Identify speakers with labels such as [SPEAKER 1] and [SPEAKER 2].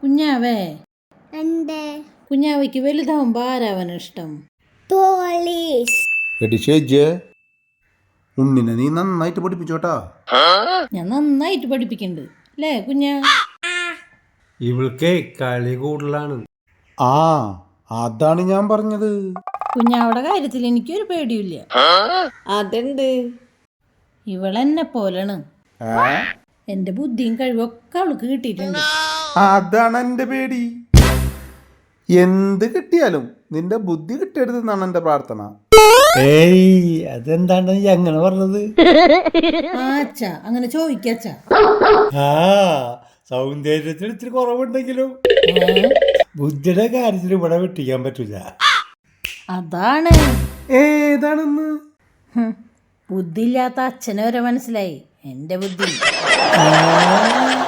[SPEAKER 1] കുഞ്ഞാവേ,
[SPEAKER 2] എന്റെ
[SPEAKER 1] കുഞ്ഞാവയ്ക്ക് വലുതാവുമ്പോ ആരാവാൻ ഇഷ്ടം?
[SPEAKER 2] പോലീസ്.
[SPEAKER 3] എടി ഷേജ്, ഉണ്ണിനെ നീ നന്നായിട്ട് പഠിപ്പിച്ചോട്ടാ.
[SPEAKER 1] ഞാൻ നന്നായിട്ട് പഠിപ്പിക്കണ്ട് അല്ലേ കുഞ്ഞാ?
[SPEAKER 4] ഇവൾക്ക് കളി കൂടുതലാണ്.
[SPEAKER 3] ആ, അതാണ് ഞാൻ പറഞ്ഞത്.
[SPEAKER 1] കുഞ്ഞാവിടെ കാര്യത്തിൽ എനിക്കൊരു പേടിയില്ല.
[SPEAKER 5] അതുണ്ട്.
[SPEAKER 1] ഇവളെന്നെ പോലാണ്. എന്റെ ബുദ്ധിയും കഴിവൊക്കെ അവൾക്ക് കിട്ടിയിട്ടുണ്ട്.
[SPEAKER 3] അതാണ് എന്റെ പേടി. എന്ത് കിട്ടിയാലും നിന്റെ ബുദ്ധി കിട്ടരുതെന്നാണ് എന്റെ പ്രാർത്ഥന.
[SPEAKER 4] ഏയ്, അതെന്താണ് നീ അങ്ങനെ പറഞ്ഞത്?
[SPEAKER 1] ആച്ചാ അങ്ങനെ ചോദിക്കാച്ചാ.
[SPEAKER 4] ആ, സൗന്ദര്യത്തിന് ഇത്തിരി കുറവുണ്ടെങ്കിലും ബുദ്ധിയുടെ കാര്യത്തിൽ ഇവിടെ വെട്ടിക്കാൻ പറ്റില്ല.
[SPEAKER 1] അതാണ്
[SPEAKER 3] ഏതാണെന്ന്
[SPEAKER 1] ബുദ്ധിയില്ലാത്ത അച്ഛനെ വരെ മനസ്സിലായി എന്റെ ബുദ്ധി.